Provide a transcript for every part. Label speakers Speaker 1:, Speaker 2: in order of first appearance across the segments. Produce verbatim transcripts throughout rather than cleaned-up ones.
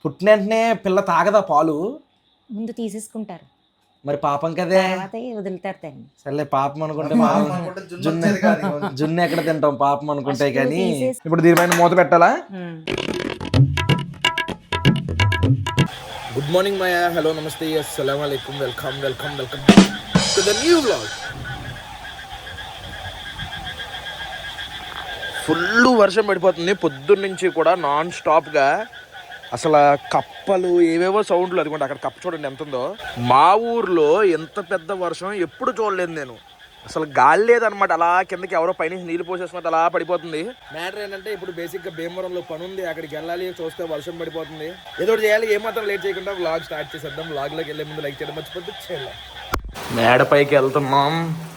Speaker 1: పుట్టిన వెంటనే పిల్ల తాగదా పాలు?
Speaker 2: ముందు తీసేసుకుంటారు,
Speaker 1: మరి పాపం కదే.
Speaker 2: తర్వాత వదులుతారు దాన్ని.
Speaker 1: సర్లే పాపం అనుకుంటే జున్ను జున్ను ఎక్కడ తింటాం పాపం అనుకుంటే. కానీ ఇప్పుడు దీనిపైన మూత పెట్టాలా? గుడ్ మార్నింగ్ మాయా, హలో నమస్తే, అస్సలాం వాలేకుమ్, welcome welcome welcome to the new vlog. Full వర్షం పడిపోతుంది పొద్దున్న నుంచి కూడా నాన్ స్టాప్గా. అసలు కప్పలు ఏవేవో సౌండ్లు, అదిగోండి అక్కడ కప్ప చూడండి ఎంత ఉందో. మా ఊర్లో ఎంత పెద్ద వర్షం ఎప్పుడు చూడలేదు నేను. అసలు గాలి లేదనమాట, అలా కిందకి ఎవరో పైన నీళ్ళు పోసేసినట్టు అలా పడిపోతుంది. మ్యాటర్ ఏంటంటే ఇప్పుడు బేసిక్గా భీమవరంలో పని ఉంది, అక్కడికి వెళ్ళాలి. చూస్తే వర్షం పడిపోతుంది, ఏదో ఒకటి చేయాలి. ఏమాత్రం లేట్ చేయకుండా వ్లాగ్ స్టార్ట్ చేసేద్దాం. వ్లాగ్లోకి వెళ్ళే ముందు లైక్ చేయడం మర్చిపోతే చేయాలి. మేడపైకి వెళ్తున్నాం.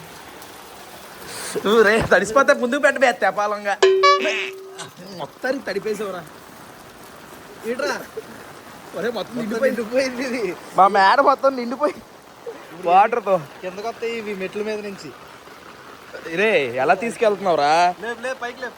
Speaker 1: రే తడిసిపోతే ముందుకు పెట్టబే తెపాలంగా, మొత్తానికి తడిపేసేవరా. ఏంట్రా ఒరే మొత్తం నిండిపోయింది ఇది. మా మేడ మొత్తం నిండిపోయి వాటర్తో.
Speaker 3: కిందకు వస్తాయి ఇవి మెట్ల మీద నుంచి.
Speaker 1: రే ఎలా తీసుకెళ్తున్నావురా?
Speaker 3: పైకి లేపు.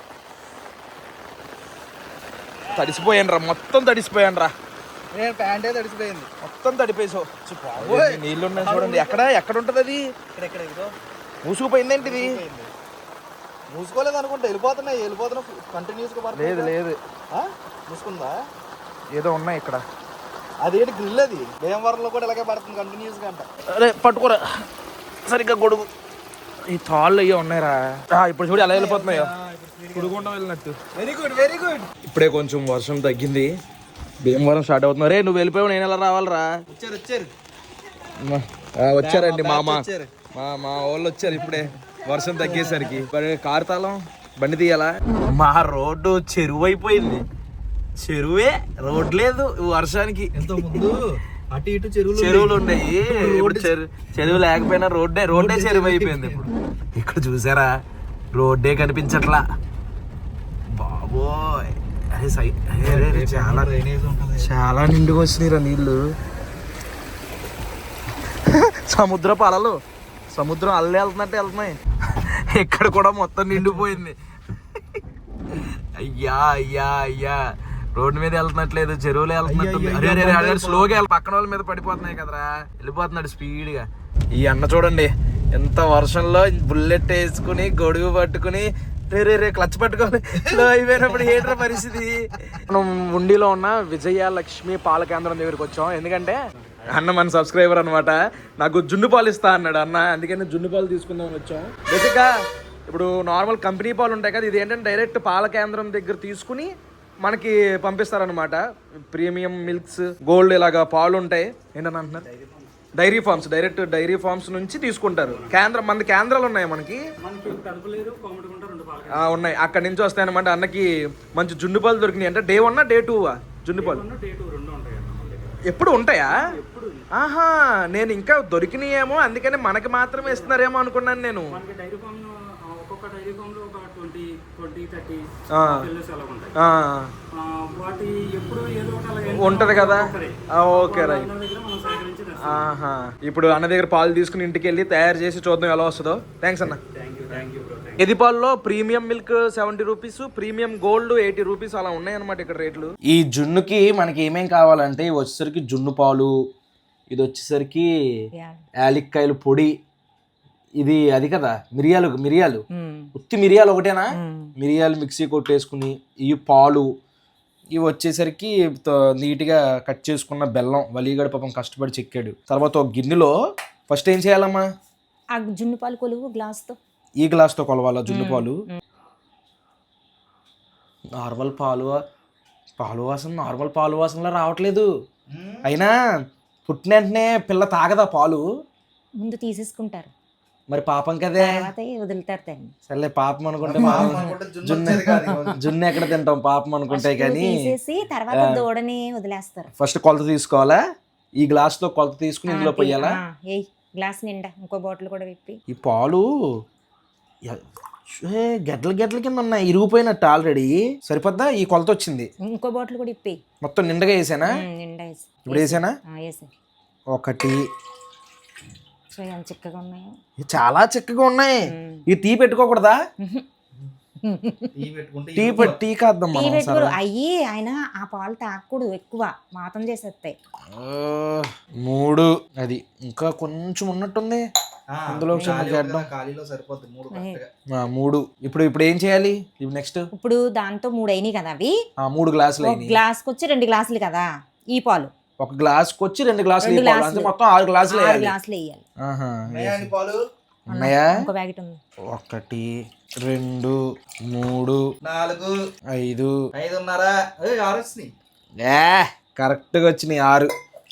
Speaker 1: తడిసిపోయాను రా, మొత్తం తడిసిపోయాను రా.
Speaker 3: నేను ప్యాంటే తడిసిపోయింది,
Speaker 1: మొత్తం తడిపేసావు. నీళ్ళు ఉన్నాయి చూడండి. ఎక్కడ ఎక్కడ ఉంటుంది అది?
Speaker 3: ఇక్కడ ఇదో
Speaker 1: మూసుకుపోయింది ఏంటి ఇది?
Speaker 3: మూసుకోలేదు అనుకుంటా, వెళ్ళిపోతున్నాయి వెళ్ళిపోతున్నా కంటిన్యూస్గా.
Speaker 1: లేదు లేదు
Speaker 3: మూసుకుందా?
Speaker 1: ఏదో ఉన్నాయి ఇక్కడ.
Speaker 3: అదేంటి గ్రిల్, అది భీమవరంలో కూడా ఇలాగే పడుతుంది కంటిన్యూస్గా అంట.
Speaker 1: అరే పట్టుకోరా సరిగ్గా గొడుగు. ఈ తాళ్ళు అయ్యో ఉన్నాయిరా. ఇప్పుడు చూడు ఎలా వెళ్ళిపోతున్నాయో, కుడుగుండం వెళ్ళినట్టు.
Speaker 3: Very good very good.
Speaker 1: ఇప్పుడే కొంచెం వర్షం తగ్గింది, భీమవరం స్టార్ట్ అవుతుంది. రే నువ్వు వెళ్ళిపోయావు, నేను ఎలా రావాలరా?
Speaker 3: వచ్చారు వచ్చారు
Speaker 1: వచ్చారండి మా మా మా వాళ్ళు వచ్చారు ఇప్పుడే వర్షం తగ్గేసరికి. కారు తాళం బండి తీయాలా? మా రోడ్డు చెరువు అయిపోయింది. చెరువే, రోడ్ లేదు వర్షానికి.
Speaker 3: ఎంతో ముందు అటు ఇటు చెరువులు
Speaker 1: చెరువులు ఉన్నాయి, ఇప్పుడు చెరువు లేకపోయినా రోడ్డే రోడ్డే చెరువు అయిపోయింది ఇప్పుడు. ఇక్కడ చూసారా, రోడ్డే కనిపించట్లా బాబోయ్. అరే సై చాలా చాలా నిండుగా వచ్చినాయిరా నీళ్ళు. సముద్రపు అలలు, సముద్రం అల్లే వెళ్తున్నట్టు వెళ్తున్నాయి. ఇక్కడ కూడా మొత్తం నిండిపోయింది. అయ్యా అయ్యా అయ్యా, రోడ్డు మీద వెళ్తున్నట్లేదు, చెరువులో వెళ్తున్నట్టుంది. అరే అరే అరే స్లోగా వెళ్ళి పక్కన వాళ్ళ మీద పడిపోతున్నాయి కదరా, వెళ్ళిపోతున్నాడు స్పీడ్ గా. ఈ అన్న చూడండి ఎంత వర్షంలో బుల్లెట్ వేసుకుని గొడుగు పట్టుకుని రే రే రే క్లచ్ పట్టుకోవాలి స్లో అయిపోయినప్పుడు ఏంట్రా పరిస్థితి. మనం ఉండిలో ఉన్న విజయలక్ష్మి పాల కేంద్రం దగ్గరికి వచ్చాం. ఎందుకంటే అన్న మన సబ్స్క్రైబర్ అనమాట, నాకు జున్ను పాలు ఇస్తా అన్నాడు అన్న, అందుకని జున్ను పాలు తీసుకుందామని వచ్చాం. బేసిక్గా ఇప్పుడు నార్మల్ కంపెనీ పాలు ఉంటాయి కదా, ఇది ఏంటంటే డైరెక్ట్ పాల కేంద్రం దగ్గర తీసుకుని మనకి పంపిస్తారనమాట. ప్రీమియం మిల్క్స్, గోల్డ్ ఇలాగా పాలు ఉంటాయి. ఏంటని అంటున్నారు? Dairy farms, direct dairy farms నుంచి తీసుకుంటారు. కేంద్రం మన కేంద్రాలు ఉన్నాయి మనకి, ఉన్నాయి. అక్కడి నుంచి వస్తాయి అనమాట. అన్నకి మంచి జున్ను పాలు దొరికినాయి అంటే. డే వన్ డే టూ జున్ను పాలు ఎప్పుడు ఉంటాయా? ఆహా, నేను ఇంకా దొరికినాయేమో అందుకని మనకి మాత్రమే ఇస్తున్నారేమో అనుకున్నాను నేను. ఉంటది కదా, ఓకే రైట్. ఆహా, ఇప్పుడు అన్న దగ్గర పాలు తీసుకుని ఇంటికి వెళ్ళి తయారు చేసి చూద్దాం ఎలా వస్తుందో. థ్యాంక్స్ అన్న. ఎది పాల్లో premium milk seventy rupees, premium gold eighty rupees అలా ఉన్నాయి అనమాట ఇక్కడ రేట్లు. ఈ జున్నుకి మనకి ఏమేం కావాలంటే ఇవి వచ్చేసరికి జున్ను పాలు, ఇది వచ్చేసరికి యాలక్కాయలు పొడి, ఇది అది కదా మిరియాలు, మిరియాలు ఉత్తి మిరియాలు ఒకటేనా, మిరియాలు మిక్సీ కొట్టేసుకుని, ఈ పాలు, ఇవి వచ్చేసరికి నీట్గా కట్ చేసుకున్న బెల్లం, వలీగడ పాపం కష్టపడి చెక్కాడు. తర్వాత ఒక గిన్నెలో ఫస్ట్ ఏం చేయాలమ్మా?
Speaker 2: ఆ జున్ను పాలు కొలువు గ్లాస్తో, ఈ
Speaker 1: గ్లాస్తో కొలవాలా జున్ను పాలు? నార్మల్ పాలు పాలు వాసన నార్మల్ పాలు వాసనలా రావట్లేదు. అయినా పుట్టిన వెంటనే పిల్ల తాగదా పాలు?
Speaker 2: ముందు తీసేసుకుంటారు,
Speaker 1: మరి పాపం కదే,
Speaker 2: వదులుతారు దాన్ని.
Speaker 1: సర్లే పాపం అనుకుంటే జున్ను జున్ను ఎక్కడ తింటాం పాపం అనుకుంటే. కానీ
Speaker 2: తర్వాత దూడని వదిలేస్తారు.
Speaker 1: ఫస్ట్ కొలత తీసుకోవాలా? ఈ గ్లాస్ తో కొలత తీసుకుని ఇందులో పోయాలా?
Speaker 2: ఏ గ్లాస్ నిండా ఇంకో బాటిల్ కూడా విప్పి.
Speaker 1: ఈ పాలు గడ్డల గడ్డల కింద ఉన్నాయి, ఇరిగిపోయినట్టు ఆల్రెడీ. సరిపోద్దా? ఈ కొలత వచ్చింది.
Speaker 2: ఇంకో బాటిల్ కూడా ఇప్పి.
Speaker 1: మొత్తం నిండగా వేసానా?
Speaker 2: నిండా వేసి.
Speaker 1: ఇప్పుడు వేసానా? ఒకటి.
Speaker 2: చిక్కగా ఉన్నాయి,
Speaker 1: చాలా చిక్కగా ఉన్నాయి. ఇవి తీ పెట్టుకోకూడదా?
Speaker 3: టీ పెట్టుకుంటే
Speaker 1: టీ పెట్- టీ కాద్దాం
Speaker 2: టీ
Speaker 1: మనం
Speaker 2: పెట్టుకోరు అయ్యి ఆయన ఆ పాలు తాగకూడదు ఎక్కువ మాతం చేసేస్తాయి.
Speaker 1: ఆ, మూడు అది ఇంకా కొంచెం ఉన్నట్టుంది
Speaker 3: ఆ,
Speaker 1: అందులో
Speaker 3: ఖాళీ
Speaker 1: చిన్న
Speaker 3: ఉంది
Speaker 1: గడ్డం.
Speaker 3: కదా, ఖాళీలో సరిపోద్ది మూడు కరెక్ట్గా.
Speaker 1: ఆ, మూడు ఇప్పుడు ఇప్పుడు ఏం చేయాలి ఇప్పుడు నెక్స్ట్
Speaker 2: ఇప్పుడు దాంతో మూడు అయినాయి కదా అవి.
Speaker 1: మూడు గ్లాసులు
Speaker 2: ఒక
Speaker 1: అయినాయి
Speaker 2: గ్లాస్కి వచ్చి రెండు గ్లాసులు కదా ఈ పాలు.
Speaker 1: ఒక గ్లాస్కి వచ్చి రెండు గ్లాసులు
Speaker 2: రెండు
Speaker 1: వేయాలి.
Speaker 2: గ్లాసులు.
Speaker 1: అంటే మొత్తం ఆరు గ్లాసులు
Speaker 2: ఆరు
Speaker 1: వేయాలి.
Speaker 2: గ్లాసులు వేయాలి.
Speaker 1: ఆహా,
Speaker 3: ఉన్నాయా అండి పాలు?
Speaker 1: ఉన్నాయా
Speaker 2: ఇంకో ప్యాకెట్ ఉంది.
Speaker 1: ఒకటి రెండు మూడు
Speaker 3: నాలుగు
Speaker 1: ఐదు
Speaker 3: ఐదున్నర ఏయ్, ఆరు వచ్చినాయి.
Speaker 1: ఏ కరెక్ట్గా వచ్చినాయి ఆరు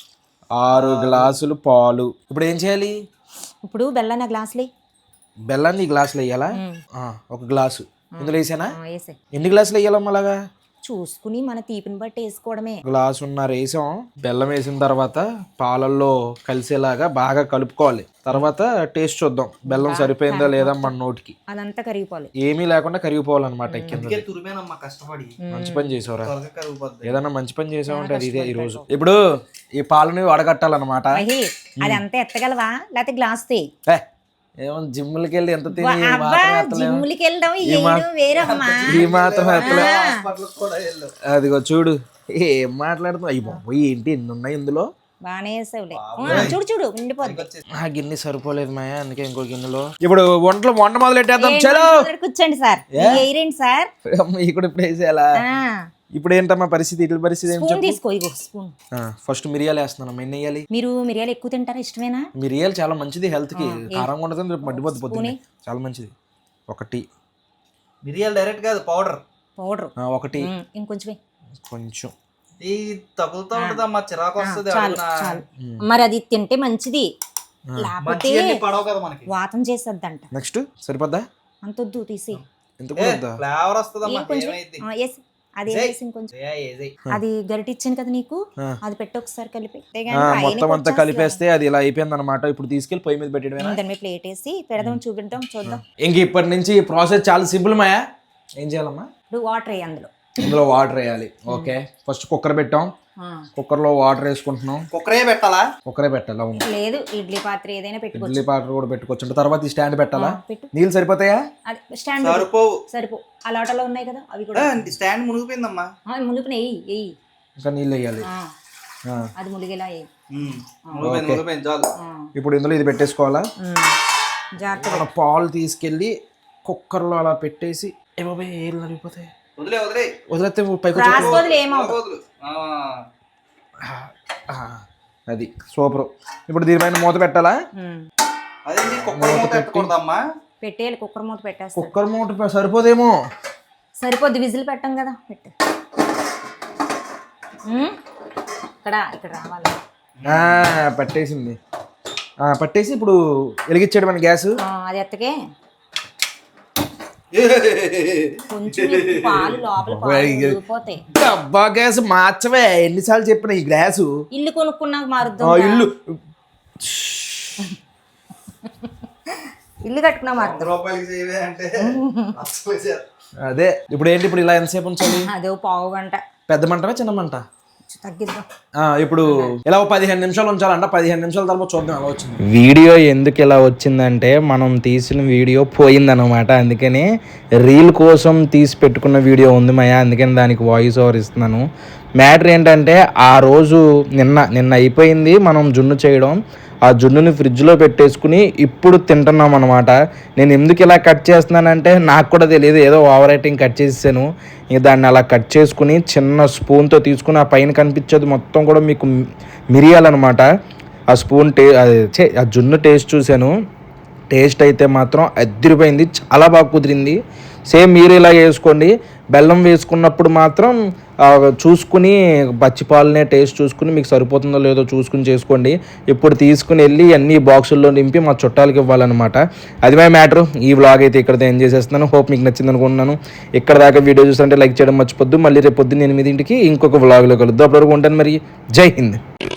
Speaker 1: ఆరు గ్లాసులు పాలు. ఇప్పుడు ఏం చేయాలి
Speaker 2: ఇప్పుడు బెల్లం గ్లాసులు
Speaker 1: బెల్లాన్ని ఈ గ్లాసులు వేయాలా ఆ, ఒక గ్లాసు ఇందులో వేసానా
Speaker 2: వేసే
Speaker 1: ఎన్ని గ్లాసులు వేయాలమ్మా అలాగా
Speaker 2: చూసుకుని మన తీపిని బట్టి వేసుకోవడమే.
Speaker 1: గ్లాసు ఉన్నర వేసాం. బెల్లం వేసిన తర్వాత పాలల్లో కలిసేలాగా బాగా కలుపుకోవాలి. తర్వాత టేస్ట్ చూద్దాం బెల్లం సరిపోయిందా లేదా మన నోటికి.
Speaker 2: అదంతా కరిగిపోవాలి.
Speaker 1: ఏమీ లేకుండా కరిగిపోవాలన్నమాట. కింద
Speaker 3: అందుకే తురిమేనమ్మా కష్టపడి,
Speaker 1: మంచి పని చేసావురా.
Speaker 3: త్వరగా కరిగిపోద్ది.
Speaker 1: ఏదన్నా మంచి పని చేసావంటే అది ఇదే ఈ రోజు. ఇప్పుడు ఈ పాలని వడగట్టాలన్నమాట.
Speaker 2: మహి, అది అంతా ఎత్తగలవా లేకపోతే గ్లాస్ తీ?
Speaker 1: ఏ, ఏమో జిమ్లకి వెళ్ళి ఎంత తిని ఈ
Speaker 2: అబ్బా
Speaker 1: మాత్రం ఎత్తలేము.
Speaker 2: జిమ్లకి వెళ్ళడం
Speaker 1: ఈ మా-
Speaker 2: ఏడు వేరమ్మా.
Speaker 1: ఈ మాత్రం ఎత్తలేము.
Speaker 3: హాస్పిటల్కి కూడా వెళ్ళు.
Speaker 1: అదిగో చూడు ఏం మాట్లాడుతున్నావు. అయ్యి బాబోయ్ ఏంటి ఎన్ని ఉన్నాయి ఇందులో.
Speaker 2: బాగానే వేసావులే. ఆ, చూడు చూడు నిండిపోద్ది.
Speaker 1: ఆ గిన్నె సరిపోలేదు మాయా, అందుకే ఇంకో గిన్నెలో. ఇప్పుడు వంటలు వంట మొదలు పెట్టేద్దాం.
Speaker 2: ఏం
Speaker 1: చలో
Speaker 2: మొదలు కూర్చోండి సార్. ఎయిరేంటి సార్?
Speaker 1: ఇక్కడ ఇప్పుడు వేసేయాలా? ఇప్పుడు ఏంటమ్మా పరిస్థితి, ఇట్ల పరిస్థితి ఏం
Speaker 2: స్పూన్
Speaker 1: చెప్పు.
Speaker 2: తీసుకో, ఇగో స్పూన్.
Speaker 1: ఫస్ట్ మిరియాలు వేస్తున్నాను. ఎన్ని వేయాలి?
Speaker 2: మీరు మిరియాలు ఎక్కువ తింటారా? ఇష్టమేనా?
Speaker 1: మిరియాలు చాలా మంచిది హెల్త్ కి. కారంగా ఉండదు, రేపు మడ్డిపోద్ది పొద్దున్నే. చాలా మంచిది. ఒకటి
Speaker 3: మిరియాలు డైరెక్ట్ కాదు, పౌడర్.
Speaker 2: పౌడర్
Speaker 1: ఆ, ఒకటి
Speaker 2: ఇంకొంచెం
Speaker 1: కొంచెం
Speaker 3: ఈ తగులుతూ ఉంటదమ్మా, చిరాకు వస్తుంది.
Speaker 2: చాలు చాలు. మరి అది తింటే మంచిది, లేకపోతే
Speaker 3: మంచిగా పడవు కదా మనకి.
Speaker 2: వాతం చేసేద్దంట.
Speaker 1: నెక్స్ట్ సరిపోద్దా?
Speaker 2: అంతొద్దు తీసి.
Speaker 1: ఎంత కూడా వద్దా?
Speaker 3: ఫ్లేవర్ వస్తుందమ్మా.
Speaker 2: ఇంకొంచెం
Speaker 3: ఏమైంది?
Speaker 2: ఆ, వేసి అది వేసి ఇంకొంచెం.
Speaker 3: ఏ, ఏది?
Speaker 2: అది గరిట ఇచ్చాను కదా నీకు,
Speaker 1: ఆ.
Speaker 2: అది పెట్టి ఒకసారి కలిపి.
Speaker 1: ఆ, మొత్తం అంతా కలిపేస్తే అది ఇలా అయిపోయింది అనమాట. ఇప్పుడు తీసుకెళ్లి పొయ్యి మీద పెట్టడమేనా?
Speaker 2: దాని మీద ప్లేట్ వేసి పెడదాం, చూపిద్దాం, చూద్దాం.
Speaker 1: ఇంక ఇప్పటి నుంచి ప్రాసెస్ చాలా సింపుల్ మాయా. ఏం చేయాలమ్మా?
Speaker 2: ఇప్పుడు వాటర్ వేయి అందులో.
Speaker 1: ఇందులో వాటర్ వేయాలి. ఓకే, ఫస్ట్ కుక్కర్ పెట్టాం.
Speaker 2: ఆ.
Speaker 1: కుక్కర్ లో వాటర్ వేసుకుంటున్నాం.
Speaker 3: కుక్కరే పెట్టాలా?
Speaker 1: కుక్కరే పెట్టాలి. అవును,
Speaker 2: లేదు ఇడ్లీ పాత్ర ఏదైనా పెట్టుకోవచ్చు.
Speaker 1: ఇడ్లీ పాత్ర కూడా పెట్టుకోవచ్చు. తర్వాత ఈ స్టాండ్ పెట్టాలా?
Speaker 2: పెట్టు.
Speaker 1: నీళ్ళు సరిపోతాయా?
Speaker 2: అది స్టాండ్
Speaker 3: సరిపోవు.
Speaker 2: సరిపో. ఆ లోటలో ఉన్నాయి కదా అవి కూడా.
Speaker 3: ఆ, స్టాండ్ మునిగిపోయిందమ్మా.
Speaker 2: మునిగిన వేయి వేయి.
Speaker 1: ఇంకా నీళ్ళు వేయాలి.
Speaker 2: ఆ,
Speaker 1: ఆ.
Speaker 2: అది ములిగేలా వేయి.
Speaker 3: ఉమ్, మునిగిపోయింది, మునిగిపోయింది, చాలు.
Speaker 2: ఆ.
Speaker 1: ఇప్పుడు ఇందులో ఇది పెట్టేసుకోవాలా?
Speaker 2: ఉమ్. జాగ్రత్త.
Speaker 1: మన పాలు తీసుకెళ్ళి కుక్కర్లో అలా పెట్టేసి ఏ బాబాయ్ ఏళ్ళు నలిగిపోతాయి.
Speaker 3: వదిలే వదిలే
Speaker 1: వదిలేస్తే పైకి వచ్చి-
Speaker 2: రాసి వదిలి ఏమవుతుంది.
Speaker 3: వదులు. ఆ,
Speaker 1: ఆ, అది సూపర్. ఇప్పుడు దీనిపైన మూత పెట్టాలా?
Speaker 2: ఉమ్.
Speaker 3: అదేంటి కుక్కర్ మూత పెట్టకూడదమ్మా?
Speaker 2: పెట్టేయాలి, కుక్కర్ మూత పెట్టేస్తా.
Speaker 1: కుక్కర్ మూత సరిపోదేమో.
Speaker 2: సరిపోద్ది, విజిల్ పెట్టాం కదా, పెట్టు. ఉమ్. ఇక్కడ ఇక్కడ రావాలి.
Speaker 1: ఆ, పట్టేసింది. ఆ, పట్టేసి ఇప్పుడు వెలిగించాడు మన గ్యాస్.
Speaker 2: ఆ, అది ఎత్తకే కొంచెం ఎక్కువ పాలు లోపల పాలు ఊడిపోతాయి.
Speaker 1: డబ్బా గ్యాస్ మార్చవే, ఎన్నిసార్లు చెప్పిన ఈ గ్యాసు.
Speaker 2: ఇల్లు కొనుక్కున్నాక
Speaker 1: ఆ,
Speaker 2: మారుద్దాం.
Speaker 1: ఇల్లు
Speaker 2: ఇల్లు కట్టుకున్నా మారుద్దాం.
Speaker 3: వంద రూపాయలకి చేయవే అంటే అసలు చేయ-
Speaker 1: అదే. ఇప్పుడు ఏంటి, ఇప్పుడు ఇలా ఎంతసేపు ఉంచాలి?
Speaker 2: అదే ఓ పావు గంట.
Speaker 1: పెద్ద మంటనా చిన్న మంట?
Speaker 2: తగ్గిద్దాం.
Speaker 1: ఆ, ఇప్పుడు ఇలా ఓ పదిహేను నిమిషాలు ఉంచాలంట. పదిహేను నిమిషాల తర్వాత చూద్దాం ఎలా వచ్చింది. వీడియో ఎందుకు ఇలా వచ్చిందంటే మనం తీసిన వీడియో పోయిందనమాట. అందుకని రీల్ కోసం తీసి పెట్టుకున్న వీడియో ఉంది మాయా, అందుకని దానికి వాయిస్ ఓవర్ ఇస్తున్నాను. మ్యాటర్ ఏంటంటే ఆ రోజు నిన్న నిన్న అయిపోయింది మనం జున్ను చేయడం. ఆ జున్నుని ఫ్రిడ్జ్లో పెట్టేసుకుని ఇప్పుడు తింటున్నాం అనమాట. నేను ఎందుకు ఇలా కట్ చేస్తున్నానంటే నాకు కూడా తెలియదు, ఏదో ఓవర్ రైటింగ్ కట్ చేసాను. ఇక దాన్ని అలా కట్ చేసుకుని చిన్న స్పూన్తో తీసుకుని ఆ పైన కనిపించేది మొత్తం కూడా మీకు మిరియాలన్నమాట. ఆ స్పూన్ టే అది చే ఆ జున్ను టేస్ట్ చూశాను. టేస్ట్ అయితే మాత్రం అదిరిపోయింది, చాలా బాగా కుదిరింది. సేమ్ మీరు ఇలా వేసుకోండి. బెల్లం వేసుకున్నప్పుడు మాత్రం చూసుకుని పచ్చిపాలనే టేస్ట్ చూసుకుని మీకు సరిపోతుందో లేదో చూసుకుని చేసుకోండి. ఇప్పుడు తీసుకుని వెళ్ళి అన్ని బాక్సుల్లో నింపి మా చుట్టాలకి ఇవ్వాలన్నమాట. అది మై మ్యాటర్. ఈ వ్లాగ్ అయితే ఇక్కడ ఏం చేసేస్తున్నాను. హోప్ మీకు నచ్చింది అనుకుంటున్నాను. ఇక్కడ దాకా వీడియో చూస్తుంటే లైక్ చేయడం మర్చిపోద్దు. మళ్ళీ రేపు పొద్దున్న ఎనిమిదింటికి ఇంకొక వ్లాగ్లో కలుద్దాం. అప్పటివరకు ఉంటాను మరి. జై హింద్.